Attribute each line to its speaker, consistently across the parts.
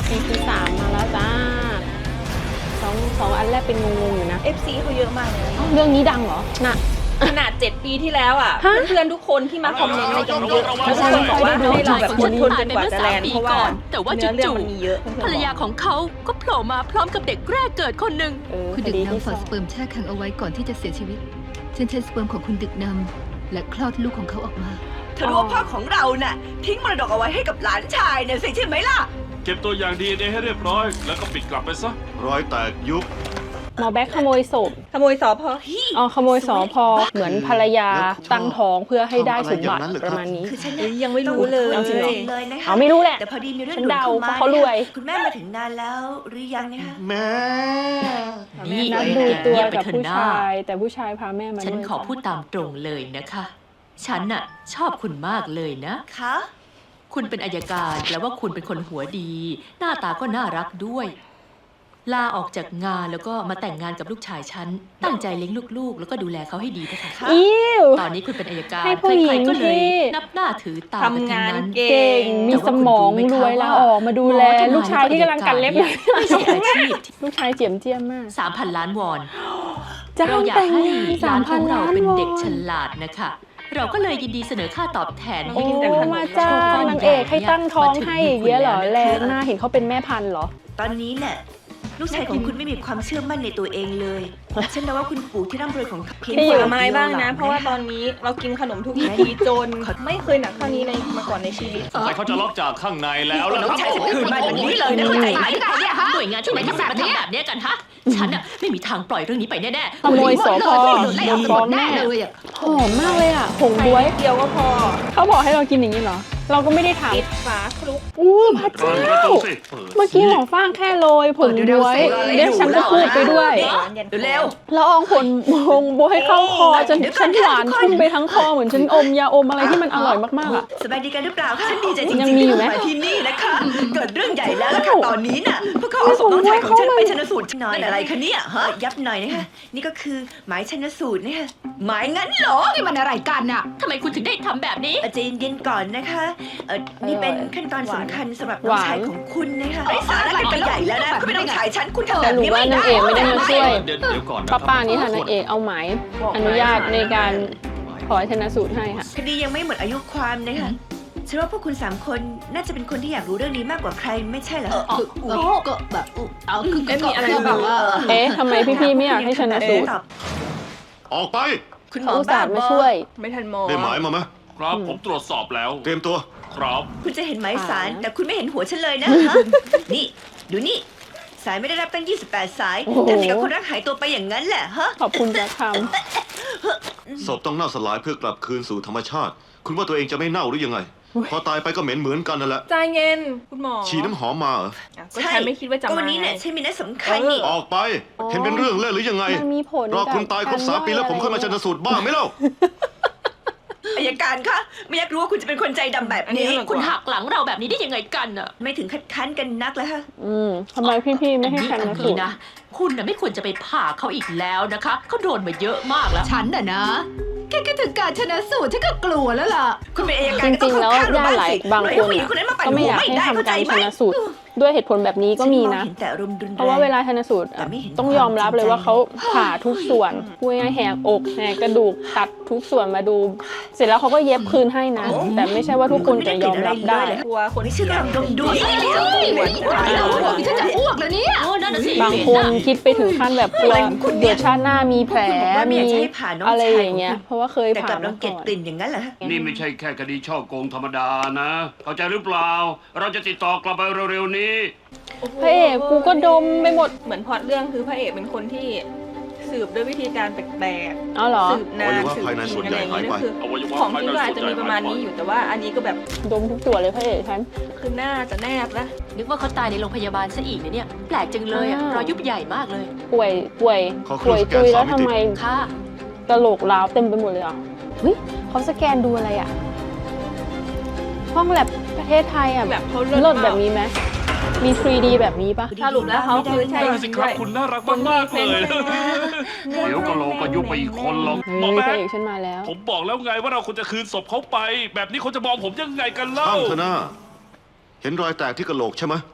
Speaker 1: EP 3มาแล้วจ้าสองอันแรกเป็นงงๆอยู่นะ
Speaker 2: FC เขาเยอะมากเลยนะ
Speaker 1: เรื่องนี้ดังเหรอน่ะ
Speaker 2: ขนาด 7 ปีที่แล้วอ่ะ
Speaker 1: ฮะ
Speaker 2: เพื่อนๆทุกคนที่มาคอมเมนต์ในยังเยอะ
Speaker 3: ระวัง
Speaker 2: แล้วทุกคนบอกว่าให้เราแบบอดทนจนกว่าจะแลนด์เพราะว่า
Speaker 4: แต่ว่า
Speaker 2: เนื้อเรื่อง
Speaker 4: จู่
Speaker 2: มันมีเยอะ
Speaker 4: ๆภรรยาของเขาก็โผล่มาพร้อมกับเด็กแรกเกิดคนหนึ่ง
Speaker 5: คุณดึก
Speaker 1: ที่
Speaker 5: นำฝากสเปิร์มแช่แข็งเอาไว้ก่อนที่จะเสียชีวิต ฉันใช้สเปิร์มของคุณดึกนำและคลอดลูกของเขาออกมา
Speaker 6: เธอรู้ว่าพ่อของเราน่ะ ทิ้งมรดกเอาไว้ให้กับหลานชายเนี่ยสิใช่ไหมล่ะ
Speaker 3: เก็บตัวอย่าง DNA ให้เรียบร้อย แล้วก็ปิดกลับไปซะ
Speaker 7: รอยแตกยุบ
Speaker 1: หมอแบ็คขโมยศพ
Speaker 2: ขโมยสอพอ
Speaker 1: อ๋อขโมยสอพอเหมือนภรรยาตั้งท้องเพื่อให้ได้สมบัติ
Speaker 7: ทำอะไรอย่างนั้นเหรอ
Speaker 1: ป
Speaker 7: ครับ
Speaker 1: ระมาณนี้
Speaker 6: คือฉันเนี่ย
Speaker 2: ยังไม่รู้เลย
Speaker 6: ต้อง
Speaker 1: จริงเหรอ
Speaker 6: เลยนะคะ
Speaker 1: เอาไม่รู้แหละ
Speaker 6: แต่พอดีมีเรื่อง
Speaker 1: ฉัน
Speaker 6: ด่วน
Speaker 1: เดา
Speaker 6: เข้ามา
Speaker 1: เพราะเขารวย
Speaker 6: คุณแม่มาถึงนานแล้วหรือยังเนี่ยคะ
Speaker 7: แม่
Speaker 4: นี่
Speaker 1: นัด
Speaker 4: เอ๋
Speaker 1: ดูตัว
Speaker 4: เงียบไป
Speaker 1: กับ
Speaker 4: เถอะ
Speaker 1: ผู้
Speaker 4: หน้า
Speaker 1: ชาย แต่ผู้ชายพาแม่มา
Speaker 4: ฉัน
Speaker 1: ด้วย
Speaker 4: ขอพูดตามตรงเลยนะคะ ฉันน่ะชอบคุณมากเลยนะ
Speaker 6: คะ
Speaker 4: คุณเป็นอัยการแปลว่าคุณเป็นคนหัวดี หน้าตาก็น่ารักด้วย ลาออกจากงานแล้วก็มาแต่งงานกับลูกชายฉัน ตั้งใจเลี้ยงลูกๆ แล้วก็ดูแลเขาให้ดีนะคะ
Speaker 1: อิ้ว
Speaker 4: ตอนนี้คุณเป็นอัยการ
Speaker 1: ให้ผู้หญิง
Speaker 4: ใครๆก็เลย
Speaker 1: ที่
Speaker 4: นับหน้าถือตากัน
Speaker 2: ทำ
Speaker 4: ทั้
Speaker 2: งาง น
Speaker 4: นั้น
Speaker 2: เก่
Speaker 1: เก่ง
Speaker 2: ง
Speaker 1: มีสมองรวยลาออกมาดูแลลูกชายที่กำลังกัดเล็บอยู่
Speaker 4: ไม่ใช่อาชีพ
Speaker 1: ลูกชายเจียมเจียมมาก
Speaker 4: 3,000 ล้านวอน
Speaker 1: จ้า
Speaker 4: เรา
Speaker 1: ง
Speaker 4: อยาก
Speaker 1: แต่ง
Speaker 4: ให้
Speaker 1: งาน
Speaker 4: ร้านของ
Speaker 1: 3,000
Speaker 4: เรา
Speaker 1: ล้าน
Speaker 4: เป็น
Speaker 1: วอน
Speaker 4: เด็กฉลาดนะคะ เราก็เลยยินดีเสนอค่าตอบแทน
Speaker 1: โอ้
Speaker 4: ให้
Speaker 1: มาจ้างนางเอกให้ตั้งท้องให้อย่างเงี้ยเหรอแลหน้าเห็นเขาเป็นแม่พันธุ์เหรอ
Speaker 6: ตอนนี้เนี่ยลูกชายของคุณไม่มีความเชื่อมั่นในตัวเองเลยฉันเดาว่าคุณปู่ที่ร่ำรวยของเขาเพียง
Speaker 2: ที่อยู่
Speaker 6: ฝ่
Speaker 2: ไม้บ้างนะ
Speaker 6: ดีย
Speaker 2: เพราะว่าตอนนี้เรากินขนมทุกทีจนไม่เคยหนักเท่านี้ในมาก่อนในชีวิต
Speaker 3: แต่เขาจะล็อกจากข้างในแล้วล่ะ
Speaker 6: น้
Speaker 3: ค
Speaker 6: อง
Speaker 3: รับ
Speaker 6: ชายฉันคืนมาอย่างนี้เลยนะเข้าใจไหม
Speaker 4: หน่วยงานที่ไหนทำแบบนี้แบบเนี้ยกันฮะ ฉันน่ะไม่มีทางปล่อยเรื่องนี้ไปแน่ๆ
Speaker 1: ขโมยสอพอโดนฟ้องแน่
Speaker 5: เลยอ่ะ
Speaker 1: หอมมากเลยอ่ะผงบ๊วย
Speaker 2: เดียวก็พอ
Speaker 1: เขาบอกให้เรากินอย่างนี้เหรอ เราก็ไม่ได้ถาม
Speaker 2: ปิดฝาคลุก
Speaker 1: อู้พระ
Speaker 3: เปิด
Speaker 1: เจ้า
Speaker 3: ประตูสิ
Speaker 1: เมื่อกี้หมอฟางแค่โรยผงบ๊วยเดี๋ยวฉันก็พูดไปด้วย
Speaker 6: เร็ว
Speaker 1: แล้วเอาผงบ๊วยเข้าคอจนฉันหวานพุ่งไปทั้งคอเหมือนฉันอมยาอมอะไรที่มันอร่อยมากๆอ่ะ
Speaker 6: สบายดีกันหรือเปล่าคะฉันดีใจจริง
Speaker 1: ยัง
Speaker 6: ๆ
Speaker 1: มี
Speaker 6: ที่
Speaker 1: อยู่ไหม
Speaker 6: มาที่นี่นะคะ เกิดเรื่องใหญ่แล้วล่ะค่ะตอนนี้น่ะพวกเขาเอาศพน้องชายของฉันไปชันสูตรหน่อยอะไรคะเนี่ยฮะยับหน่อยนะคะนี่ก็คือหมายชันสูตรนะคะหมายงั้นเหรอ
Speaker 5: นี่มันอะไรกันอ่ะ
Speaker 4: ทำไมคุณถึงได้ทำแบบนี้
Speaker 6: ใจเย็นๆก่อนนะคะนี่เป็นขั้นตอนสำคัญสำหรับน้องชายของคุณนะคะไอ้สาระกันไปใหญ่แล้วนะคุณเป็นน้องชายฉันคุณทำแบบ
Speaker 1: หรือ
Speaker 6: นี้
Speaker 1: ว่า
Speaker 6: ไม่
Speaker 1: นาง
Speaker 6: ได้
Speaker 1: เอกไม่ได้มาช่วย
Speaker 3: เดี๋ยวก่อนนะค
Speaker 1: ป้า
Speaker 3: รับ
Speaker 1: ป้านี้ค่ะนางเอกเอาหมายอนุญาตในการขอชนะสูตรให้ค่ะ
Speaker 6: คดียังไม่หมดอายุความนะคะฉันว่าพวกคุณ3 คนน่าจะเป็นคนที่อยากรู้เรื่องนี้มากกว่าใครไม่ใช่เหรอ
Speaker 5: ก็แบบเอาคือ
Speaker 2: เอ๊ะมีอะไร
Speaker 5: ก็แบบว่า
Speaker 1: เอ๊ะทำไมพี่ๆไม่อยากให้ชนะสูตร
Speaker 6: ตอบ
Speaker 7: ออกไป
Speaker 6: คุณหม
Speaker 1: เขา
Speaker 6: อ
Speaker 1: อุต
Speaker 6: บ้า
Speaker 1: ส่าห์
Speaker 6: บ
Speaker 1: มา
Speaker 6: อ
Speaker 1: ช่วย
Speaker 2: ไม่ทันมอง
Speaker 7: ได้หมายมาไหม
Speaker 3: ครับผมตรวจสอบแล้ว
Speaker 7: เตรียมตัว
Speaker 3: ครับ
Speaker 6: คุณจะเห็นหมายสารแต่คุณไม่เห็นหัวฉันเลยนะฮะ นี่ดูนี่สายไม่ได้รับตั้ง28 สาย
Speaker 1: โอ้โห
Speaker 6: ทำอย่างกับคนรักหายตัวไปอย่างนั้นแหละฮะ
Speaker 1: ขอบคุณจะท
Speaker 7: ศพต้องเน่าสลายเพื่อกลับคืนสู่ธรรมชาติ คุณว่าตัวเองจะไม่เน่าหรือยังไง พอตายไปก็เหม็นเหมือนกันนั่นแหละ
Speaker 2: ใจเย็นคุณหมอ
Speaker 7: ฉีดน้ำหอมมาเหรอ
Speaker 2: อ่ะก็ฉันไม่คิดว่าจะ
Speaker 6: ก็
Speaker 2: มา
Speaker 6: วันนี้เนี่ยฉันมีนัดสำคัญนี่
Speaker 7: ออกไป เห็นเป็นเรื่องเล่นหรือยังไง
Speaker 1: ำมันมีผล
Speaker 7: รอคุณตายครบ3 ปีแล้วผมค่อยมาชันสูตรบ้างไหมเล่า
Speaker 6: อัยการคะไม่อยากรู้ว่าคุณจะเป็นคนใจดำแบบนี้
Speaker 4: คุณหักหลังเราแบบนี้ได้ยังไงกันอะ
Speaker 6: ไม่ถึงคัดค้านกันนักแล้วฮะ
Speaker 1: ทำไมพี่ๆไม่ให้ชนะสูตร
Speaker 4: นะ คุณน่ะไม่ควรจะไปผ่าเขาอีกแล้วนะคะ เขาโดนมาเยอะมากแล้ว
Speaker 5: ฉันน่ะนะ แค่คิดถึงการชนะสูตรฉันก็กลัวแล้วล่ะ
Speaker 6: คุณเป็นอัย
Speaker 1: จ
Speaker 6: การก็ต้
Speaker 1: ริ
Speaker 6: อง
Speaker 1: งๆแล้ว
Speaker 6: เข้าข้าง
Speaker 1: ญาติหลายบาง
Speaker 6: ปล่อย
Speaker 1: คน
Speaker 6: ผู้หญิง
Speaker 1: อะ
Speaker 6: คนนั้นมาปั่น
Speaker 1: ก็ไม่
Speaker 6: หั
Speaker 1: อ
Speaker 6: วย
Speaker 1: าก
Speaker 6: ไม่
Speaker 1: ให้
Speaker 6: ได้
Speaker 1: ทำ
Speaker 6: เข้าใจ
Speaker 1: การ
Speaker 6: ไหม
Speaker 1: ชนะสูตรด้วยเหตุผลแบบนี้ก็มีนะ
Speaker 6: ฉัมองเห็แต่อารมณ์รุนแรง
Speaker 1: เพราะว่าเวลาชนสูตร
Speaker 6: แต่ไม่เห็น
Speaker 1: ต้องยอมรับเลยว่าเขาผ่าทุกส่วนพูดง่ายๆแหกอกแหกกระดูกตัดทุกส่วนมาดู เสร็จแล้วเขาก็เย็บคืนให้นะ แต่ไม่ใช่ว่าทุกคนจะยอมรับได้
Speaker 2: กลัวคน
Speaker 6: ไม่
Speaker 2: ที่
Speaker 6: เชื่อกำลังดมดู
Speaker 5: ฉันจะอ้วกแล้วเนี่ย
Speaker 4: โอ้นั่นน่ะสิ
Speaker 1: บางคนคิดไปถึงขั้นแบบกลัวเดี๋ยวชาติหน้ามีแผลมีอะไรอย่างเงี้ยเพราะว่าเคย
Speaker 6: แต่ก
Speaker 1: ผ่า
Speaker 6: ลับรั
Speaker 1: มาง
Speaker 6: เกียจ
Speaker 1: ก่อน
Speaker 6: กลิ่นอย่างนั้นเหรอฮะ
Speaker 3: นี่ไม่ใช่แค่คดีช่อโกงธรรมดานะ เข้าใจหรือเปล่า เราจะติดต่อกลับไปเร็วๆนี้
Speaker 1: พระเอกกูก็ดมไปหมด
Speaker 2: เหมือนพล็อตเรื่องคือพระเอกเป็นคนที่สืบด้วยวิธีการแปลก
Speaker 1: เอาเหรอ
Speaker 2: ๆสืบนาน
Speaker 7: อวัยวะ
Speaker 2: สืบ
Speaker 7: ภายใน
Speaker 2: จ
Speaker 7: ส่
Speaker 2: ริ
Speaker 7: วน
Speaker 2: ง
Speaker 7: ให
Speaker 2: อะไร
Speaker 7: ญ่
Speaker 2: อย่างเงี้ย
Speaker 7: หายไป
Speaker 2: คือ
Speaker 3: อวัยวะ
Speaker 2: ของ
Speaker 3: ภาย
Speaker 2: ที่
Speaker 3: ใน
Speaker 2: ก็อาจจะมีประมาณนี้อยู่แต่ว่าอันนี้ก็แบบ
Speaker 1: ดมทุกตัวเลยพระเอกฉัน
Speaker 2: คือหน้าจะแนบนะ
Speaker 4: นึกว่าเขาตายในโรงพยาบาลซะอีกนะเนี่ย แปลกจังเลยอะ
Speaker 1: อ้าว
Speaker 4: รอยยุบใหญ่มากเลย
Speaker 1: ป่วย
Speaker 7: ขอเครื่
Speaker 1: ป่
Speaker 7: อ
Speaker 1: วย
Speaker 7: งสแกน
Speaker 1: ตุยแล้ว
Speaker 7: 3 มิติ
Speaker 1: ทำไม
Speaker 4: ค่ะ
Speaker 1: กระโหลกร้าวเต็มไปหมดเลยอ่ะเฮ้ยเขาสแกนดูอะไรอ่ะ ห้องแลบประเทศไทยอ่ะ
Speaker 2: แบบเขา
Speaker 1: เลิ
Speaker 2: เลิ
Speaker 1: ศ
Speaker 2: ศ
Speaker 1: แบบนี้ไหมมี 3D แบบนี้ปะ
Speaker 2: สรุปแล้วเขาคือใช่
Speaker 3: นั่นสิครับคุณน่ารักมากๆเลย เดี๋ยวก็โลก็ยุบไปอีกคนหรอกหมอ
Speaker 1: เฮ้ยพ
Speaker 3: แบ๊
Speaker 1: ระ
Speaker 3: ก
Speaker 1: เอกฉันมาแล้ว
Speaker 3: ผมบอกแล้วไงว่าเราควรจะคืนศพเขาไป แบบนี้เขาจะมองผมยังไงกันเล่า
Speaker 7: ตั้งเถอะนะเห็นรอยแตกที่กระโหลกใช่ไหม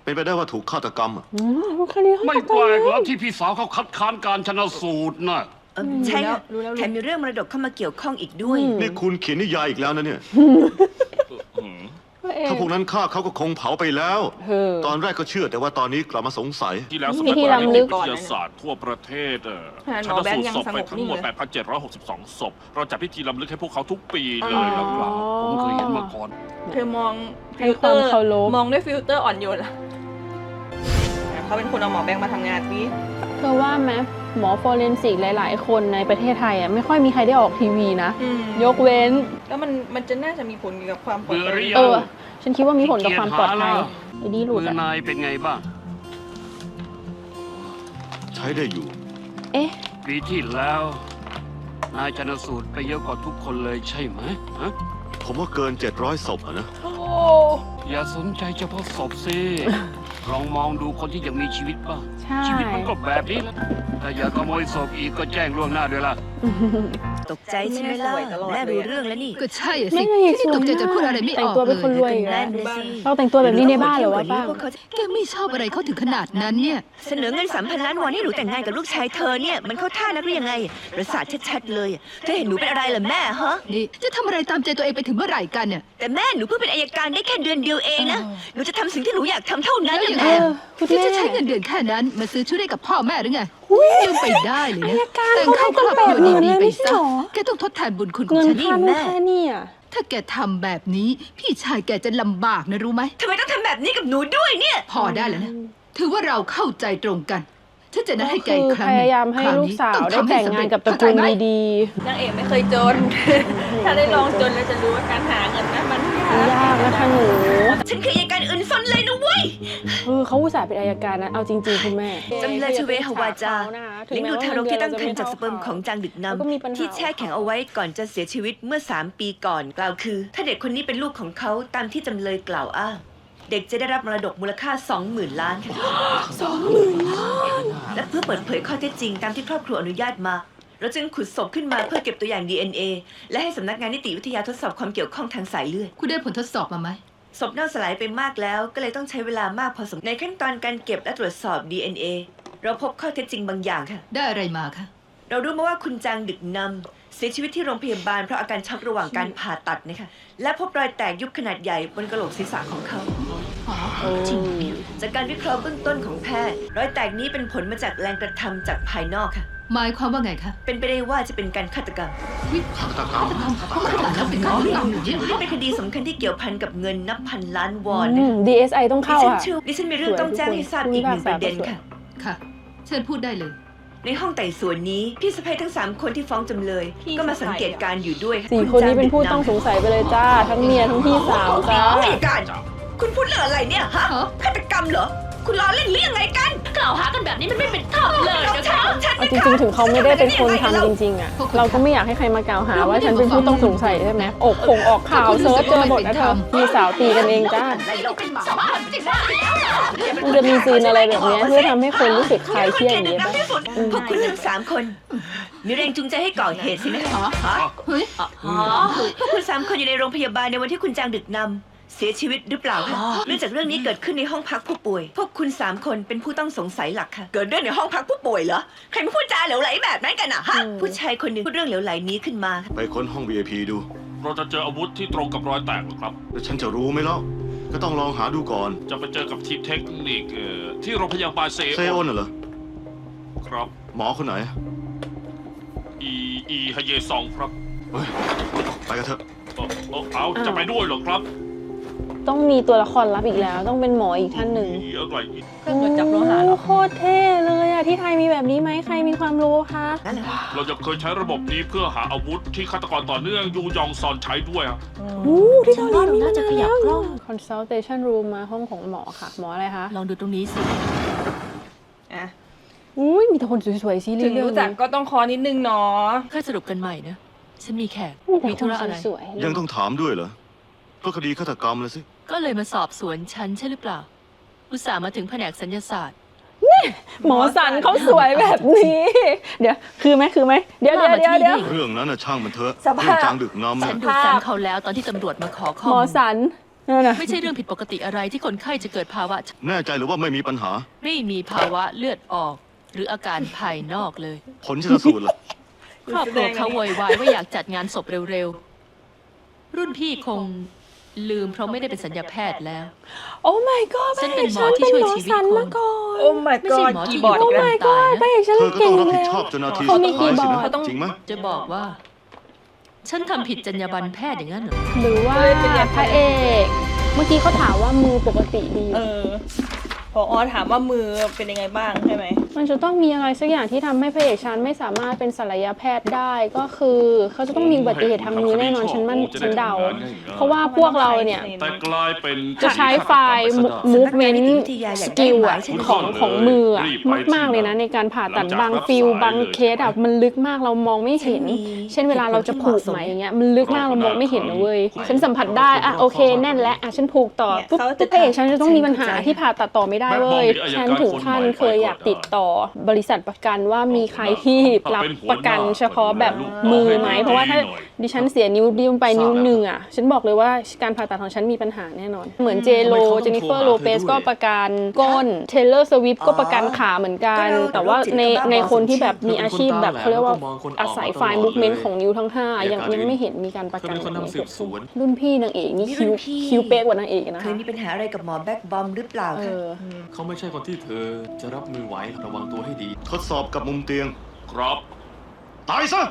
Speaker 7: เป็นไปได้ว่าถูกฆาตกรรมอะ
Speaker 1: คดีเขา
Speaker 3: ไม่
Speaker 1: จับ
Speaker 3: แปล
Speaker 1: ได้
Speaker 3: กหรอกที่พี่สาวเขาคัดค้านการชนสูตรน่ะ
Speaker 6: ใช่ค่ะ
Speaker 2: รู้แล้ว
Speaker 6: แถมมีเรื่องมรดกเข้ามาเกี่ยวข้องอีกด้วย
Speaker 7: นี่คุณเขียนนิยายอีกแล้วนะเนี่ย ถ้าพวกนั้นฆ่าเขาก็คงเผาไปแล้ว ตอนแรกก็เชื่อแต่ว่าตอนนี้กลับมาสงสัย
Speaker 8: ที่แล้วสำนักงานนิติวิทยาศาสตร์ทั่วประเทศชันสูตรศพไปทั้งหมด 8,762 ศพ เราจัดพิธีรำลึกให้พวกเขาทุกปีเลยแล้วครับ
Speaker 3: ผมเคยเห็นมาก่อน
Speaker 2: เธอมอง
Speaker 1: ให้
Speaker 2: ฟิล
Speaker 1: ค
Speaker 2: เตอ
Speaker 1: วาม
Speaker 2: ร์
Speaker 1: เคารพ
Speaker 2: มองด้วยฟิลเตอร์อ่อนโยนล่ะเขาเป็นคนเอาหมอแบงค์มาทำงานนี้
Speaker 1: เธอว่าไหมหมอฟอเรนซิกหลาย ๆ คนในประเทศไทยอ่ะไม่ค่อยมีใครได้ออกทีวีนะ ยกเว้น
Speaker 2: แล้วมันจะน่าจะมีผลเกี่ยวกับความปลอด
Speaker 3: เบื่อ
Speaker 2: ภั
Speaker 3: หรื
Speaker 2: ย
Speaker 3: อยัง
Speaker 1: ฉันคิดว่ามีผลกับความปลอดภัยไอ้ดีหลุด
Speaker 3: มือ
Speaker 1: อ่ะ
Speaker 3: นายเป็นไงบ้าง
Speaker 7: ใช้ได้อยู่
Speaker 1: เอ๊ะ
Speaker 3: ปีที่แล้ว นายชนสูตรไปเยอะกว่าทุกคนเลยใช่ไหมฮะ
Speaker 7: ผมว่าเกิน 700 ศพอะนะ
Speaker 3: อย่าสนใจเฉพาะศพสิ ลองมองดูคนที่ยังมีชีวิตบ้าง
Speaker 1: ใช่
Speaker 3: ชีวิตมันก็แบบนี้แหละถ้าอยากขโมยศพอีกก็แจ้งล่วงหน้าด้วยล่ะ
Speaker 6: ตกใจใช่ไหมล่ะแม่รู้เรื่องแล้วนี่
Speaker 5: ก็ใช่อะสิ
Speaker 1: ไม่ไง
Speaker 5: ที่ตกใจจะพูดอะไรไม่อ
Speaker 1: แต่ง
Speaker 5: อก
Speaker 1: ตัว
Speaker 5: เล
Speaker 1: เป็นคนรวย
Speaker 5: ย
Speaker 1: อีกแล้ว
Speaker 6: นั่นนะสิ
Speaker 1: เราแต่งตัวแบบนี้ในบ้านเหรอวะป้า
Speaker 6: พวกเขาจะ
Speaker 5: แกไม่ชอบอะไรเขาถึงขนาดนั้นเนี่ย
Speaker 6: เสนอเงิน3,000 ล้านวอนให้หนูแต่งงานกับลูกชายเธอเนี่ยมันเข้าท่านักหรือยังไงประสาทชัดๆเลยเธอเห็นหนูเป็นอะไรเหรอแม่ฮะ
Speaker 5: นี่จะทำอะไรตามใจตัวเองไปถึงเมื่อไหร่กันเนี่ย
Speaker 6: แต่แม่หนูเพิ่งเป็นอัยการได้แค่เดือนเดียวเองนะหนูจะทำสิ่งที่หนูอยากทำเท่านั้น
Speaker 5: แล้ว
Speaker 6: นะ
Speaker 5: ยังไง
Speaker 6: แม่
Speaker 1: คุณ
Speaker 5: ที่
Speaker 1: แม่
Speaker 5: จะใช้เงินเดือนแค่นั้นมาซื้อชุดให้กับพ่อแม่หรือไงลืมไปได้เลยนะแต่งเข้าครอบครัวดีๆไปซะแกต้องทดแทนบุญคุณของ
Speaker 1: เงิน
Speaker 5: ฉัน
Speaker 1: ค่านู่นค่านี่อ่ะ
Speaker 5: ถ้าแกทำแบบนี้ พี่ชายแกจะลำบากนะรู้ไหม
Speaker 6: ทำไมต้องทำแบบนี้กับหนูด้วยเนี่ย
Speaker 5: พอได้แล้วนะ ถือว่าเราเข้าใจตรงกันฉันจะนัดให้แก
Speaker 1: คื
Speaker 5: อี
Speaker 1: อก
Speaker 5: ครั้
Speaker 1: พ
Speaker 5: งหนึ่ง
Speaker 1: ยายามให้
Speaker 5: คร
Speaker 1: ลูก
Speaker 5: นี้
Speaker 1: สาว
Speaker 5: อง
Speaker 1: ได้
Speaker 5: ทำให้
Speaker 1: แต่ง
Speaker 5: สำ
Speaker 1: งา
Speaker 5: เร็
Speaker 1: น
Speaker 5: จ
Speaker 1: กับตระกูล
Speaker 5: เข้าใจไหม
Speaker 1: ดี
Speaker 2: นางเอกไม่เคยจน ถ้าได้ลองจนแล้วจะรู้ว่าการหาเงินนั้นมัน
Speaker 1: ๆยากนะคะหนู
Speaker 6: ฉันคืออัยการอื่นซนเลยนะเว้ย
Speaker 1: เขาอุตส่าห์เป็นอัยการนะเอาจริง ๆ คุณแม่
Speaker 6: จำเลยชเวฮาวาจาเลี้ยงดูทารกที่ตั้งครรภ์จากสเปิร์มของจางดึกน
Speaker 1: แล้วก็มีปัญหา
Speaker 6: ำที่แช่แข็งเอาไว้ก่อนจะเสียชีวิตเมื่อ 3 ปีก่อนกล่าวคือ ถ้าเด็กคนนี้เป็นลูกของเขาตามที่จำเลยกล่าวอ้างเด็กจะได้รับมรดกมูลค่า 20,000 ล้านค่ะ 20,000 ล้าน และเพื่อเปิดเผยข้อเท็จจริงตามที่ครอบครัวอนุญาตมา เราจึงขุดศพขึ้นมาเพื่อเก็บตัวอย่าง DNA และให้สำนักงานนิติวิทยาทดสอบความเกี่ยวข้องทางสายเลือด
Speaker 5: คุณได้ผลทดสอบมาไหม
Speaker 6: ศพเน่าสลายไปมากแล้วก็เลยต้องใช้เวลามากพอสมควรในขั้นตอนการเก็บและตรวจสอบ DNA เราพบข้อเท็จจริงบางอย่างค่ะ
Speaker 5: ได้อะไรมาคะ
Speaker 6: เรารู้มาว่าคุณจางดึกนำเสียชีวิตที่โรงพยาบาลเพราะอาการช็อกระหว่างการผ่าตัดนะคะและพบรอยแตกยุบขนาดใหญ่บนกระโหลกศีรษะของเขา
Speaker 5: จริง
Speaker 6: จากการวิเคราะห์เบื้องต้นของแพทย์รอยแตกนี้เป็นผลมาจากแรงกระทำจากภายนอกค่ะ
Speaker 5: หมายความว่าไงคะ
Speaker 6: เป็นไปได้ว่าจะเป็นการฆาตกรรม
Speaker 7: ฆาตกรรม
Speaker 5: เขาขนาดนั้นเป็นการที่ต้องอยู่เยอะ
Speaker 6: นี่เป็นคดีสำคัญที่เกี่ยวพันกับเงินนับพันล้านวอน
Speaker 1: อื
Speaker 6: นะ
Speaker 1: ม DSI ต้องเข้า
Speaker 6: ดิฉัน
Speaker 1: อ่ะ
Speaker 6: มีเรื่องต้องแจ้งให้ทราบอีกหนึ่งประเด็นค่ะ
Speaker 5: ค่ะ เชิญพูดได้เลย
Speaker 6: ในห้องไต่สวนนี้พี่สะใภ้ทั้ง 3 คนที่ฟ้องจำเลย ก็มาสังเกตการณ์อยู่ด้วยะ
Speaker 1: 4 คนนี้เป็นผู้ต้องสงสัยไปเลยจ้า ทั้งเมียทั้งพี่สาวจ้า
Speaker 6: อัยการ คุณพูดเรื่องอะไรเนี่ยฮะ
Speaker 5: ฮะ
Speaker 6: ฆาตกรรมเหรอ คุณล้อเล่นหรือยังไงกัน
Speaker 4: กล่าวหากันแบบนี้มันไม่เป็นธรรมเลย
Speaker 6: เรา
Speaker 4: นะ
Speaker 6: ใช่
Speaker 4: คะ
Speaker 6: ของฉัน
Speaker 1: เอาจริงๆ ถึงเขาไม่ได้เป็นคนทำจริงๆอ่ะ เราก็ไม่อยากให้ใครมากล่าวหาว่าฉันเป็นผู้ต้องสงสัยใช่ไหมออกข่าวเซิร์ชเจอหมดนะเธอพี่สาวตีกันเองจ้า
Speaker 6: เราเป็นหมา
Speaker 1: มันจะมีซีนอะไรแบบเนี้ยเพื่อทำให้คนรู้สึกคลายเครียดอย่างเงี้ยป่ะ
Speaker 6: พวกคุณทั้ง 3 คน มีแรงจูงใจให้ก่อเหตุสินะฮะ
Speaker 5: เฮ้ย
Speaker 6: พวกคุณ 3 คนอยู่ในโรงพยาบาลในวันที่คุณจางดึกนำเสียชีวิตหรือเปล่าคะเนื่องจากเรื่องนี้เกิดขึ้นในห้องพักผู้ป่วย พวกคุณ 3 คนเป็นผู้ต้องสงสัยหลักค่ะ เกิดเรื่องในห้องพักผู้ป่วยเหรอ ใครมาพูดจาเหลวไหลแบบนั้นกันอะฮะ ผู้ชายคนหนึ่งพูดเรื่องเหลวไหลนี้ขึ้นมา
Speaker 7: ไปค้นห้อง VIP ดู
Speaker 8: เราจะเจออาวุธที่ตรงกับรอยแตกหรือครับ
Speaker 7: แล้วฉันจะรู้ไหมเล่าก็ต้องลองหาดูก่อน
Speaker 8: จะไปเจอกับทีมเทคนิคที่โรงพยาบาลเซ
Speaker 7: เซโอนน่ะเหรอ
Speaker 8: ครับ
Speaker 7: หมอคนไหน
Speaker 8: อีฮเยซองครับ
Speaker 7: เฮ้ย ไปกันเถอะ
Speaker 8: เอาจะไปด้วยเหรอครับ
Speaker 1: ต้องมีตัวละครลับอีกแล้ว ต้องเป็นหมออีกท่านหนึ่ง
Speaker 8: อะไรอีก
Speaker 2: เครื่องตรวจจับโลหะเหรอ
Speaker 1: โคตรเท่เลยอ่ะที่ไทยมีแบบนี้ไหมใครมีความรู้คะ
Speaker 6: นั่นแหละ
Speaker 8: เราจะเคยใช้ระบบนี้เพื่อหาอาวุธที่ฆาตกรต่อเนื่องยูยองซอนใช้ด้วยครับ
Speaker 1: ที่เกาหลีมี
Speaker 4: น่าจะขยับกล้อง
Speaker 1: consultation room มาห้องของหมอค่ะ หมออะไรคะ
Speaker 4: ลองดูตรงนี้สิ
Speaker 2: อ่ะ
Speaker 1: อุ้ยมีแต่คนสวยๆซีรี
Speaker 2: ถึ
Speaker 1: ส์
Speaker 2: ง
Speaker 1: เรื่อง
Speaker 2: รู้จัก
Speaker 1: นี้
Speaker 2: ก็ต้องคอนิดนึงเนาะ
Speaker 4: ค่อยสรุปกันใหม่นะ ฉันมีแขก
Speaker 1: มีแต่
Speaker 4: มี
Speaker 1: ค
Speaker 4: ธุ
Speaker 1: น
Speaker 4: ระอะไร
Speaker 1: สวยๆ
Speaker 7: ยังต้องถามด้วยเหรอเพราะคดีฆาตกรรมเลยสิ
Speaker 4: ก็เลยมาสอบสวนฉันใช่หรือเปล่า อุตส่าห์มาถึงแผนกสัญญาศาสตร์
Speaker 1: หมอสันเขาสวยแบบนี้ เดี๋ยวคือไหมเดี๋ยว
Speaker 4: ว่ามาที่นี่
Speaker 7: เรื่องนั้นน่ะช่างมันเถอะ
Speaker 2: สภาพ
Speaker 7: เรื่องจางดึกนำ
Speaker 4: ฉั
Speaker 7: เนี่ย
Speaker 4: นดูซ้ำเขาแล้วตอนที่ตำรวจมาขอข้อ
Speaker 1: หม
Speaker 4: มู
Speaker 1: อ
Speaker 4: ล
Speaker 1: สันนั่นน่ะ
Speaker 4: ไม่ใช่เรื่องผิดปกติอะไรที่คนไข้จะเกิดภาวะ
Speaker 7: แน่ใจหรือว่าไม่มีปัญหา
Speaker 4: ไม่มีภาวะเลือดออก หรืออาการภายนอกเลย
Speaker 7: ผลชันสูตรล่ะ
Speaker 4: ครอบครัวเขาโวยวายว่าอยากจัดงานศพเร็วๆ รุ่นพี่คงลืมเพราะไม่ได้เป็นสัญญาแพทย์แล้ว
Speaker 1: โอ้ my god
Speaker 4: ฉันเป็นหมอที่ช่วยชีวิต
Speaker 1: ฉัน
Speaker 4: คน
Speaker 1: มาก่อน
Speaker 2: โอ้ my
Speaker 4: ไม่ใช่
Speaker 2: god
Speaker 4: หมอที่
Speaker 2: คีย์
Speaker 4: อบ
Speaker 2: อร์ด
Speaker 4: ยู่
Speaker 2: อีก
Speaker 4: กับ
Speaker 2: แล้ว
Speaker 4: ตายนะ
Speaker 1: พระเอกฉัน
Speaker 7: เธอก็
Speaker 1: เก่
Speaker 7: ต้อง
Speaker 1: ง
Speaker 7: รับผิ
Speaker 1: แล้
Speaker 7: ด
Speaker 1: ว
Speaker 7: ชอบจนนาที
Speaker 1: เขา
Speaker 7: สุด
Speaker 1: มี
Speaker 7: ท้ายสิ
Speaker 1: คีย์บอร์
Speaker 7: นะ
Speaker 1: ด
Speaker 7: จริงไหม
Speaker 4: จะบอกว่า ฉันทำผิดจรรยาบรรณแพทย์อย่างนั้นเหรอ
Speaker 1: หรือว่าพระเอก เมื่อกี้เขาถามว่ามือปกติดี
Speaker 2: พอถามว่ามือเป็นยังไงบ้างใช่ไหม
Speaker 1: มันจะต้องมีอะไรสักอย่างที่ทำให้พระเอกฉันไม่สามารถเป็นศัลยแพทย์ได้ก็คือเขาจะต้องมีอุบัติเหตุทางมือแน่นอนฉันเดา เพราะว่าพวกเราเนี่ย
Speaker 8: แต่กลายเป็น
Speaker 1: จะใช้ไฟล์ movement skill อะของมืออะมากๆเลยนะในการผ่าตัดบางฟิลบางเคสอะมันลึกมากเรามองไม่เห็น เช่นเวลาเราจะผูกไหมอย่างเงี้ยมันลึกมากเรามองไม่เห็นนะเว้ยฉันสัมผัสได้อะโอเคแน่นแล้วอะฉันผูกต่อปุ๊บพระเอกฉันจะต้องมีปัญหาที่ผ่าตัดต่อไม่ได้เว้ยฉันถึงขั้นเคยอยากติดต่อบริษัทประกันว่ามีใครที่รับประกันเฉพาะแบบมือไหมเพราะว่าถ้าดิฉันเสียนิ้วดิ้วไปนิ้วหนึ่งอะฉันบอกเลยว่าการผ่าตัดของฉันมีปัญหาแน่นอนเหมือนเจนิเฟอร์โลเปสก็ประกันก้นเทเลอร์สวิฟก็ประกันขาเหมือนกันแต่ว่าในคนที่แบบมีอาชีพแบบเขาเรียกว่าอาศัยไฟล์มูฟเมนต์ของนิ้วทั้ง5ยังไม่เห็นมีการประกันแบบนี้เกิดขึ้นรุ่นพี่นางเอกนี่คิวเป๊กกว่านางเอกนะ
Speaker 6: เคยมีปัญหาอะไรกับหมอแบ็กบอมหรือเปล่าคะ
Speaker 9: เขาไม่ใช่คนที่เธอจะรับมือไหวระวังตัวให้ดี
Speaker 7: ทดสอบกับมุมเตียง
Speaker 8: ครับ
Speaker 7: ตายซะ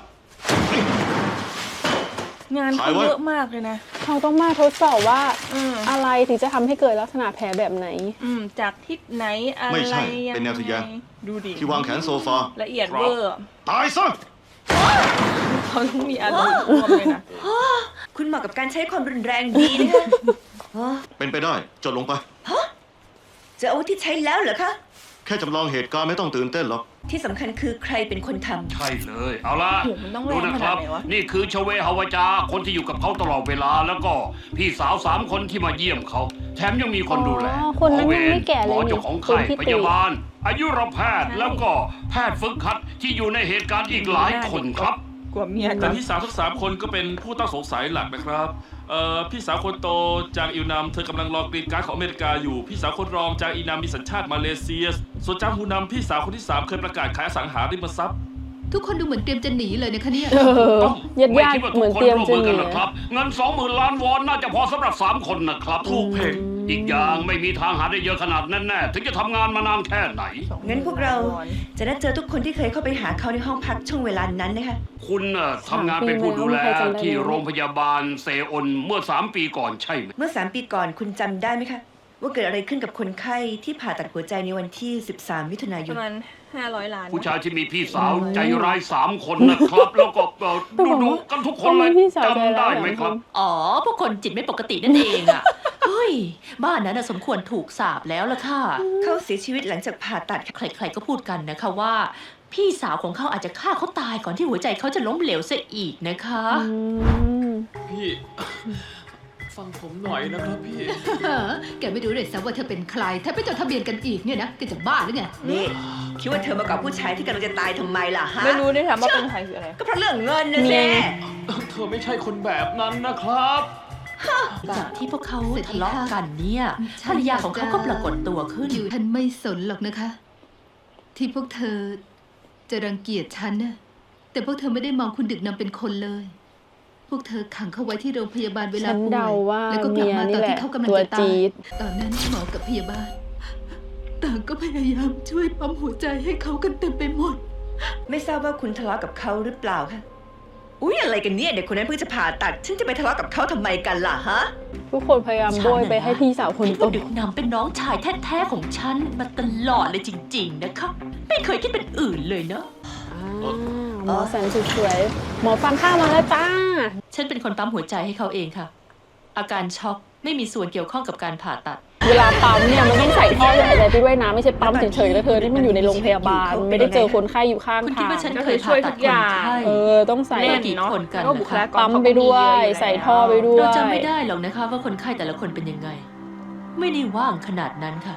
Speaker 2: งานเขาเยอะมากเลยนะ
Speaker 1: เขาต้องมาทดสอบว่าอะไรถึงจะทำให้เกิดลักษณะแผลแบบไหน
Speaker 2: จากทิศไหนอะไร
Speaker 7: ไม่ใช่
Speaker 2: ยัง
Speaker 7: เป็นแนวทะแยง
Speaker 2: ไงดูดิ
Speaker 7: ที่วางแขนโซฟา
Speaker 2: ละเอียดเวอร์
Speaker 7: ตายซะ
Speaker 2: เขาต้องมีอารมณ์ร่วมเลยนะ
Speaker 6: คุณเหมาะกับการใช้ความรุนแรงดีนะคะ
Speaker 7: เป็นไปได้จดลงไป
Speaker 6: เจออาวุธที่ใช้แล้วเหรอคะ
Speaker 7: แค่จำลองเหตุการณ์ไม่ต้องตื่นเต้นหรอก
Speaker 6: ที่สำคัญคือใครเป็นคนทำ
Speaker 3: ใช่เลย เอาล่ะ
Speaker 2: โอ้โหมันต้องแรง
Speaker 3: ดูนะครับ
Speaker 2: ขนาดไหนวะ
Speaker 3: นี่คือชเวฮาวาจาคนที่อยู่กับเขาตลอดเวลาแล้วก็พี่สาว3 คนที่มาเยี่ยมเขา แถมยังมีคนดูแล
Speaker 1: อ๋อคนนั้นยังไม่แก่เลย
Speaker 3: หมอ
Speaker 1: นี่
Speaker 3: เจ้าของ
Speaker 1: คน
Speaker 3: ไข้
Speaker 1: ที่
Speaker 3: พ
Speaker 1: ตี
Speaker 3: ยาบาล อายุรแพทย์แล้วก็แพทย์ฝึกหัดที่อยู่ในเหตุการณ์อีกหลายคนครับ
Speaker 2: กว่าเมีย
Speaker 8: แต่พี่สาวทั้ง3 คนก็เป็นผู้ต้องสงสัยหลักนะครับพี่สาวคนโตจางอิวนามเธอกำลังรอกรีนการ์ดของอเมริกาอยู่พี่สาวคนรองจางอีนามมีสัญชาติมาเลเซียส่วนจางฮูนามพี่สาวคนที่ 3 เคยประกาศขายอสังหาริมทรัพย์
Speaker 5: ทุกคนดูเหมือนเตรียมจะหนีเลยนะคะเนี่ย
Speaker 3: ไม่
Speaker 1: ญาติ
Speaker 3: คิดว่า
Speaker 1: ๆเหมื
Speaker 3: ทุ
Speaker 1: อก น
Speaker 3: คน
Speaker 1: เตรียม
Speaker 3: ร่วม
Speaker 1: จะ
Speaker 3: มือ
Speaker 1: หนี
Speaker 3: กันหรอกครับ เงิน 20,000 ล้านวอนน่าจะพอสำหรับ3 คนนะครับ
Speaker 8: ถูกเพลง
Speaker 3: อีกอย่างไม่มีทางหาได้เยอะขนาดนั้นแน่ถึงจะทำงานมานานแค่ไหน
Speaker 6: งั้นพวกเราจะนัดเจอทุกคนที่เคยเข้าไปหาเขาในห้องพักช่วงเวลานั้นนะคะ
Speaker 3: คุณน่ะทำงานเป็นผู้ดูแลที่โรงพยาบาลเซออนเมื่อ3 ปีก่อนใช่ไหม
Speaker 6: เมื่อ3 ปีก่อนคุณจำได้ไหมคะ ว่าเกิดอะไรขึ้นกับคนไข้ที่ผ่าตัดหัวใจในวันที่ 13 มิถุนาย
Speaker 2: ป
Speaker 6: น
Speaker 2: ระมาณ500 ล้าน
Speaker 3: ผู้ชายที่มีพี่สาวใจร้าย3 คนนะครับ แล้วก็ดูกันทุกคนเลย
Speaker 1: พี่สาวใจ
Speaker 3: จำ
Speaker 1: ร้า
Speaker 3: ได้
Speaker 1: ย
Speaker 3: ไหมครับ
Speaker 4: อ๋อ พวกคนจิตไม่ปกตินั่นเองอะ เฮ้ย บ้านนั้นน่ะสมควรถูกสาปแล้วล่ะค่ะ
Speaker 6: เขาเสียชีวิตหลังจากผ่าตัดค่ะ
Speaker 4: ใครๆก็พูดกันนะคะว่า พี่สาวของเขาอาจจะฆ่าเขาตายก่อนที่หัวใจเขาจะล้มเหลวซะอีกนะคะ
Speaker 9: พี่ ฟังผมหน่อยนะครับพี่
Speaker 5: แกไม่รู้เลยซะว่าเธอเป็นใครถ้าไปจดทะเบียนกันอีกเนี่ยนะแกจะบ้าหรือไง
Speaker 6: นี่คิดว่าเธอมากับผู้ชายที่กำลังจะตายทำไมล่ะฮะ
Speaker 2: ไม่รู้ด้วยถามว่าเป็นใครคืออะไร
Speaker 6: ก็เพราะเรื่องเงินนะ
Speaker 1: เมี
Speaker 6: แม่
Speaker 1: ย
Speaker 9: เธอไม่ใช่คนแบบนั้นนะครับ
Speaker 4: จากที่พวกเขา
Speaker 5: สวัสดีค่ะ
Speaker 4: ทะเลาะกันเนี่ยภรรยาของเขาก็ปรากฏตัวขึ้น
Speaker 5: อยู่ฉันไม่สนหรอกนะคะ ที่พวกเธอจะรังเกียจฉันนะแต่พวกเธอไม่ได้มองคุณดึกนำเป็นคนเลย พวกเธอขังเขาไว้ที่โรงพยาบาลเวลา
Speaker 1: ฉัน
Speaker 5: ป่ว
Speaker 1: เดาย ว่า
Speaker 5: แล้วก็กลับมา
Speaker 1: เมียนี่
Speaker 5: ตอน
Speaker 1: แหละ
Speaker 5: ที่เขากำลัง
Speaker 1: ตัว
Speaker 5: จะตา
Speaker 1: จี๊
Speaker 5: ย
Speaker 1: ด
Speaker 5: ตอนนั้นหมอกับพยาบาลต่างก็พยายามช่วยปั๊มหัวใจให้เขากันเต็มไปหมด
Speaker 6: ไม่ทราบว่าคุณทะเลาะกับเขาหรือเปล่าคะอุ๊ยอะไรกันเนี่ยเด็กคนนั้นเพิ่งจะผ่าตัด ฉันจะไปทะเลาะกับเขาทำไมกันล่ะฮะ
Speaker 1: ทุกคนพยายามโบยไปให้พี่สาวคน
Speaker 4: คิด
Speaker 1: โต
Speaker 4: ว่าดึกนำเป็นน้องชายแท้ๆของฉันมาตลอดเลยจริงๆนะคะ ไม่เคยคิดเป็นอื่นเลยเนาะ
Speaker 1: หมอแสนสุดสวยหมอฟันข้าวมาแล้วจ้า
Speaker 4: ฉันเป็นคนปั๊มหัวใจให้เขาเองค่ะ อาการช็อกไม่มีส่วนเกี่ยวข้องกับการผ่าตัด
Speaker 1: เวลาปั๊มเนี่ยมันต้องใส่ท่อช่วยหายใจไปด้วยนะไม่ใช่ปั๊มเฉยๆแล้วเธอที่มันอยู่ในโรงพยาบาลไม่ได้เจอคนไข้อยู่ข้าง
Speaker 4: คุณคิด
Speaker 1: ทาง
Speaker 4: ว่าฉันเคยผ่าตัดคนไข้
Speaker 1: ต้องใส่
Speaker 4: เล่นกี่คนกัน
Speaker 2: แล้วก็บุคลากร
Speaker 1: ปั๊มไปด้วย ใส่ท่อไปด้วย
Speaker 4: เราจำไม่ได้หรอกนะคะว่าคนไข้แต่ละคนเป็นยังไง ไม่ได้ว่างขนาดนั้นค่ะ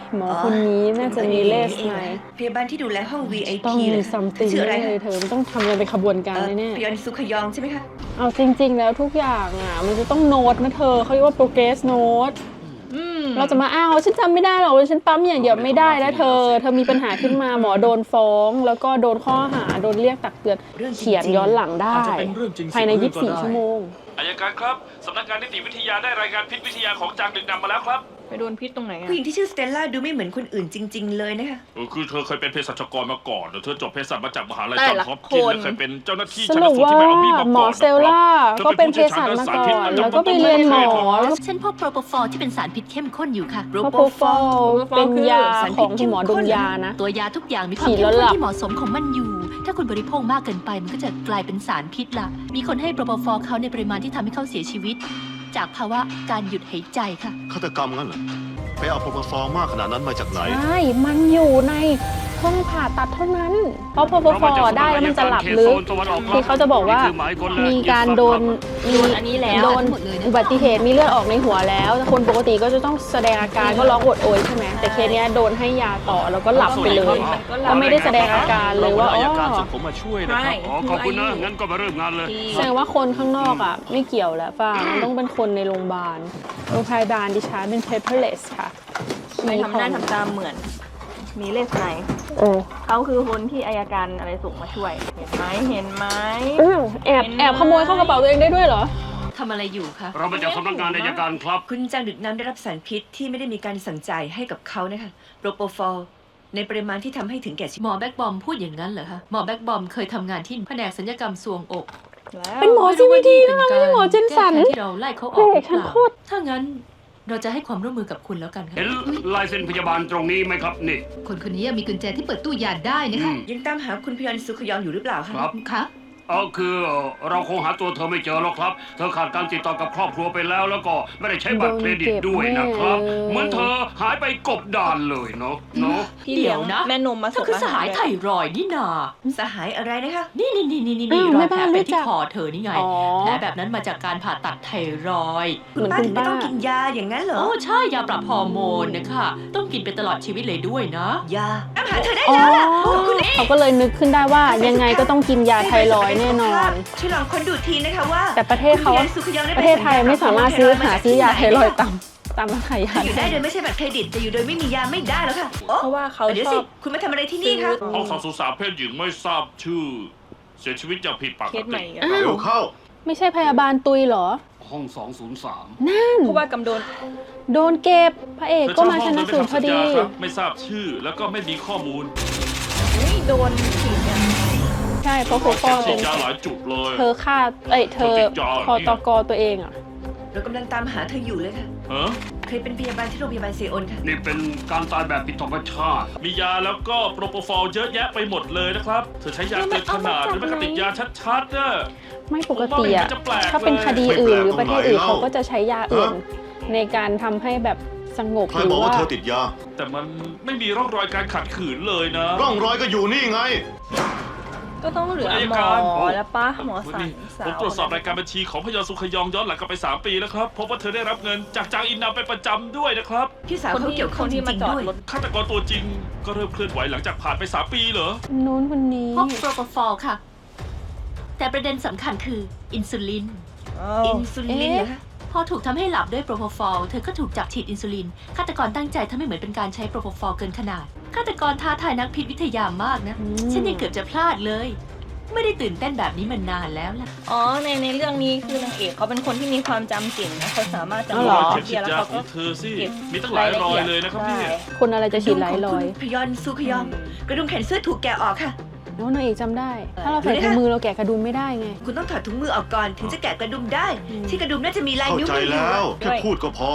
Speaker 1: หมอคนนี้น่าจะมีเลสไหม
Speaker 6: พยาบาลที่ดูแลห้อง VIP
Speaker 1: ต้องมี
Speaker 6: เลย
Speaker 1: ซัมติง
Speaker 6: ชื่ออะไร
Speaker 1: เลยเธอมันต้องทำอะไรเป็นขบวนการแน่
Speaker 6: พยอนซุขยองใช่ไหมคะ
Speaker 1: ๆเอาจริง ๆ แล้วทุกอย่างอ่ะมันจะต้องโน้ตนะเธอเขาเรียกว่า progress note เราจะมาอ้างว่าฉันจำไม่ได้หรอกว่าฉันปั๊มอย่างเดียวไม่ได้แล้วเธอมีปัญหาขึ้นมาหมอโดนฟ้อง แล้วก็โดนข้อหาโดนเรียกตักเตือนเขียนย้อนหลังได้
Speaker 9: อาจจะเป็นเรื่องจริง
Speaker 1: ภายใน
Speaker 9: 10 เรื่องก็ได้
Speaker 1: 24 ชั่วโมง
Speaker 8: อายการครับสำนักงานนิติวิทยาได้รายงานพิษวิทยาของจางดึกดำมาแล้วครับ
Speaker 2: ไปโดนพิษตรงไหนอะ
Speaker 6: ผู้หญิงที่ชื่อสเตลล่าดูไม่เหมือนคนอื่นจริง ๆ เลยนะคะ
Speaker 8: คือเธอเคยเป็นเภสัชกรมาก่อนเธอจบเภสัชมาจากมหาลัย
Speaker 2: แต่
Speaker 8: จอห์น
Speaker 2: ละ
Speaker 8: ฮอปกินส์
Speaker 2: คน
Speaker 8: และเคยเป็นเจ้าหน้าที่
Speaker 1: ส
Speaker 8: ชัน
Speaker 1: รุป
Speaker 8: สูตร
Speaker 1: ว่า
Speaker 8: ที่ไม่เอามีดมา
Speaker 1: หมอ
Speaker 8: ก่อน
Speaker 1: เซลล่า
Speaker 8: นะครับ
Speaker 1: ก็เป็นเภสัชมาก่อนแล้วก็ไปเรียนหมอแล้ว
Speaker 4: ฉันพบโปรโปฟอลที่เป็นสารพิษเข้มข้นอยู่ค่ะ
Speaker 1: โปรโปฟอลเป็นยาของคุณหมอดมยานะ
Speaker 4: ตัวยาทุกอย่างมีความ
Speaker 1: ฉีด
Speaker 4: เข้
Speaker 1: แล้
Speaker 4: ม
Speaker 1: วหลั
Speaker 4: ข้น
Speaker 1: บ
Speaker 4: ที่เหมาะสมของมันอยู่ ถ้าคุณบริโภคมากเกินไปมันก็จะกลายเป็นสารพิษละมีคนให้โปรโปฟอลเขาในปริมาณที่ทำให้เขาเสียชีวิต จากภาวะการหยุดหายใจค่ะ
Speaker 7: ฆาตกรรมงั้นเหรอไปเอาโปรโมฟอร์มากขนาดนั้นมาจากไหน
Speaker 1: ใช่มันอยู่ในห้องผ่าตัดเท่านั้น เพราะพอฟอได้แล้วมันจะหลับลึกคือเขาจะบอกว่ามีการโดน
Speaker 2: อันนี้แล้ว
Speaker 1: โดนอุบัติเหตุมีเลือดออกในหัวแล้วแต่คนปกติก็จะต้องแสดงอาการก็ร้องโอดโอยใช่ไหมแต่เคสเนี้ยโดนให้ยาต่อแล้วก็หลับไปเลยก็ไม่ได้แสดงอาการเลยว่า
Speaker 9: อาย
Speaker 1: อ๋
Speaker 9: การ
Speaker 1: อ
Speaker 9: ส่งผมมาช่วยนะครับ
Speaker 3: อ๋อขอบคุณนะ งั้นก็มาเริ่มงานเลย
Speaker 1: แสดงว่าคนข้างนอกอ่ะไม่เกี่ยวแล้วป่ะมันต้องเป็นคนในโรงพยาบาลดิฉันเป็น paperless ค่ะ
Speaker 2: ไม่ทำหน้าทำตาเหมือน มีเลสไน
Speaker 1: โอ้
Speaker 2: เขาคือคนที่อายการอะไรส่งมาช่วย เห็นไหมเห็นไหม
Speaker 1: แอบขโมยเข้ากระเป๋าตัวเองได้ด้วยเหรอ
Speaker 4: ทำอะไรอยู่คะ
Speaker 3: เรามาจากสำนักงานอัยการครับ
Speaker 6: คุณจางดึกน้ำได้รับสารพิษที่ไม่ได้มีการสั่งจ่ายให้กับเขานะคะโปรโปฟอลในปริมาณที่ทำให้ถึงแก่ชีวิต
Speaker 4: หมอแบ็กบอมพูดอย่างนั้นเหรอคะหมอแบ็กบอมเคยทำงานที่แผนกศัลยกรรมทรวงอก
Speaker 2: แล้ว
Speaker 1: เป็นหมอ CVT นะคะไม่ใช่หมอเจนสัน
Speaker 4: แก้แค้ที่เราไล่เขาออกหรือ
Speaker 1: ฉัน
Speaker 4: เปล่า
Speaker 1: โคตร
Speaker 4: ถ้างั้นเราจะให้ความร่วมมือกับคุณแล้วกันค่ะ
Speaker 3: เห็นลายเซ็นพยาบาลตรงนี้ไหมครับ นี่
Speaker 5: คนคนนี้มีกุญแจที่เปิดตู้ยาได้นะคะ
Speaker 6: ยังตามหาคุณพยอนซุขยองอยู่หรือเปล่าคะ
Speaker 3: ครับ
Speaker 5: คะ
Speaker 3: คือเราคงหาตัวเธอไม่เจอหรอกครับ เธอขาดการติดต่อกับครอบครัวไปแล้ว แล้วก็ไม่ได้ใช้บัตรเครดิตด้วยนะครับ
Speaker 1: โดนเก็บแน่
Speaker 3: เหมือนเธอหายไปกบดานเลยเนาะ
Speaker 2: พี่เลี้ยงแม่นมมา
Speaker 4: เธ
Speaker 2: ส่
Speaker 4: อง คือสหายไทรอยด์นี่นา
Speaker 6: สหายอะไรนะคะ
Speaker 4: นี่
Speaker 1: อ้าว
Speaker 4: รอ
Speaker 1: แม่
Speaker 4: ยแผล
Speaker 1: บ้าน
Speaker 4: ไป
Speaker 1: รู้จั
Speaker 4: ที่
Speaker 1: ก
Speaker 4: คอเธอนี่ไง
Speaker 1: อ๋อ
Speaker 4: แผลแบบนั้นมาจากการผ่าตัดไทรอยด์
Speaker 6: คุณป้าถึงไม่ต้องกินยาอย่างนั้นเหรอ
Speaker 4: โอ้ใช่ยาปรับฮอร์โมนนะคะต้องกินไปตลอดชีวิตเลยด้วยนะ
Speaker 6: ยาตามหาเธอได้
Speaker 1: อ๋อ
Speaker 6: แล้วล่ะคุณเอ๋
Speaker 1: เขาก็เลยนึกขึ้นได้ว่ายังไงก็ต้องกินยาไทรอยด์แน่นอน
Speaker 6: ช่วยลองค้นดูทีนะคะว่า
Speaker 1: แต่ประเทศเขา
Speaker 6: คุณพยอนซุขยองได้
Speaker 1: ประเทศไทยไม่สามารถซื้ออยาไทรอยด์ตามร้านขายยา
Speaker 6: อยู่ได้โดยไม่ใช่บัตรเครดิตแต่อยู่โดยไม่มียาไม่ได้แล้วค่ะโอ้
Speaker 2: เพราะว่าเขา
Speaker 6: เดี๋ยว
Speaker 2: ช
Speaker 6: สิ
Speaker 2: อบ
Speaker 6: คุณมาทำอะไรที่นี่คะ
Speaker 8: ห้องสอบสวนสาวเพศหญิงไม่ทราบชื่อ เสียชีวิตอย่างผิดปก
Speaker 2: เคสใหม่
Speaker 8: ติ
Speaker 2: อีกอะ
Speaker 1: อ้าว
Speaker 7: เร็วเข้า
Speaker 1: ไม่ใช่พยาบาลตุยเหรอ
Speaker 3: ห้อง 203
Speaker 2: เพราะว่ากำโดน
Speaker 1: โดนเก็บพระเอกก็มาชนะสูตรพอดี
Speaker 8: เธอเช่าห้องโดยไม่ทำสัญญาครับไม่ทราบชื่อแล้วก็ไม่มีข้อมูล
Speaker 2: นี่โดนฉีดเนี่ย
Speaker 1: ใช่เพราะโคฟอ
Speaker 8: ฉีดยาหลายจุดเลย
Speaker 1: เธอฆ่าเธอคอตกตัวเองอ่ะ
Speaker 6: เรากำลังตามหาเธออยู่เลยค่ะ
Speaker 8: ฮะ
Speaker 6: เคยเป็นพยาบาลที่โรงพยาบาลเซโอนค่ะ
Speaker 3: นี่เป็นการตายแบบผิดธรรมชาติ
Speaker 8: มียาแล้วก็โปรโปฟอลเยอะแยะไปหมดเลยนะครับ เธอใช้ยาเกินขนาดหรือไม่ก็ติดยาชัดๆน่ะ
Speaker 1: ไม่ปกติอ่ะถ้าเป็นคดีอื่นหรือประเทศอื่นเขาก็จะใช้ยาอื่น ในการทำให้แบบสงบ
Speaker 7: ใคร
Speaker 1: หรื
Speaker 7: บอก
Speaker 1: อ
Speaker 7: ว่า
Speaker 1: ว่า
Speaker 7: เธอติดยา
Speaker 8: แต่มันไม่มีร่องรอยการขัดขืนเลยนะ
Speaker 7: ร่องรอยก็อยู่นี่ไง
Speaker 2: ก็ต้องเหลือ
Speaker 8: อัย
Speaker 2: หม
Speaker 8: กา
Speaker 2: อ
Speaker 8: ร
Speaker 2: แล้วป้าหมอสัน
Speaker 8: นี่
Speaker 2: สา
Speaker 8: ผม
Speaker 2: ว
Speaker 8: ตรวจสอบรายการบัญชีของพยอนสุขยองย้อนหลังกลับไป 3 ปีแล้วครับพบว่าเธอได้รับเงินจากจางอินนามไปประจำด้วยนะครับ
Speaker 6: พี่สาวเขาเกี่ยวข้องจ
Speaker 2: ที่มา
Speaker 6: ริง
Speaker 2: จอ
Speaker 6: ๆ
Speaker 2: ด
Speaker 6: ด้วย
Speaker 2: รถ
Speaker 8: ฆาตกรตัวจริงก็เริ่มเคลื่อนไหวหลังจากผ่านไป 3 ปีเหรอ
Speaker 1: นู้นคนนี้
Speaker 4: พบโปรโปฟอลค่ะ แต่ประเด็นสำคัญคืออินซูลิน
Speaker 6: อินซูลินเหรอคะ
Speaker 4: พอถูกทำให้หลับด้วยโปรโพฟอลเธอก็ถูกจับฉีดอินซูลินฆาตกรตั้งใจทำให้เหมือนเป็นการใช้โปรโพฟอลเกินขนาดฆาตกรท้าทายนักพิษวิทยามากนะฉันยังเกือบจะพลาดเลย ไม่ได้ตื่นเต้นแบบนี้มานานแล้วล่ะ
Speaker 2: อ๋อในเรื่องนี้คือนางเอกเขาเป็นคนที่มีความจำเก่งนะเขาสามารถจำ
Speaker 1: อ๋อเหรอ
Speaker 8: เข็มฉีดยาของเธอสิ มีตั้งหลายรอยเลยนะครับเนี่ย
Speaker 1: คนอะไรจะฉีดหลายรอย
Speaker 6: พยอนซูขยอง กระดุมแขนเสื้อถูกแกะออกค่ะ
Speaker 1: น้องนางเอกจำได้ ถ้าเราใส่ถุงมือเราแกะกระดุมไม่ได้ไง
Speaker 6: คุณต้องถอดถุงมือออกก่อนถึงจะแกะกระดุมได้ ที่กระดุมน่าจะมีลาย
Speaker 7: เข้า
Speaker 6: นิ้ว
Speaker 7: ใจ
Speaker 6: มืออยู่
Speaker 7: แล้ว แค่พูดก็พอ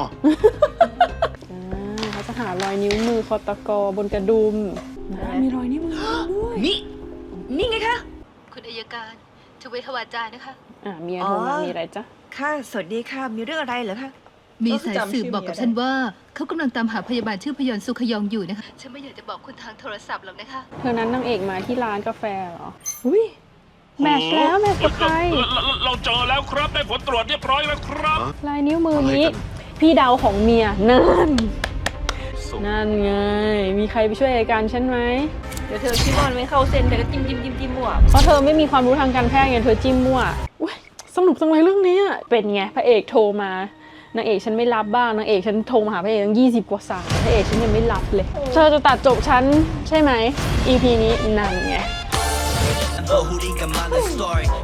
Speaker 1: เขาจะหารอยนิ้วมือคอตกบนกระดุมมีรอยนิ้วมือด้วย
Speaker 6: นี่ไงคะ
Speaker 5: คุณอัยการทเวทวาจานะคะ
Speaker 1: เมียโทรมามีอะไรจ๊ะ
Speaker 6: ค่ะ สวัสดีค่ะ มีเรื่องอะไรเหรอคะ
Speaker 5: มีสายสืบบอกกับฉันว่า เขากำลังตามหาพยาบาลชื่อพยอนสุขยองอยู่นะคะ ฉันไม่อยากจะบอกคุณทางโทรศัพท์หรอกนะคะ
Speaker 1: เธอนั้นนางเอกมาที่ร้านกาแฟเหรอ อุ้ยแมทช์แล้วแมทช์กับใคร
Speaker 8: เราเจอแล้วครับได้ผลตรวจเรียบร้อยแล้วครับ
Speaker 1: ลายนิ้วมือนี้ พี่เดาของเมียนั่น
Speaker 8: สส่ง
Speaker 1: นั่นไง มีใครไปช่วยรายการฉันไหม
Speaker 2: เดี๋ยวเธอคิดว่ามันไม่เข้าเส้นเธอก็จิ้มมั่ว
Speaker 1: เพราะเธอไม่มีความรู้ทางการแพทย์ไงเธอจิ้มมั่วอุ๊ยสนุกจังเลยเรื่องนี้อะเป็นไงพระเอกโทรมานางเอกฉันไม่รับบ้างนางเอกฉันโทรมาหาพระเอกตั้ง20 กว่าสายพระเอกฉันยังไม่รับเลย เธอจะตัดจบฉันใช่ไหม EP นี้นั่นไง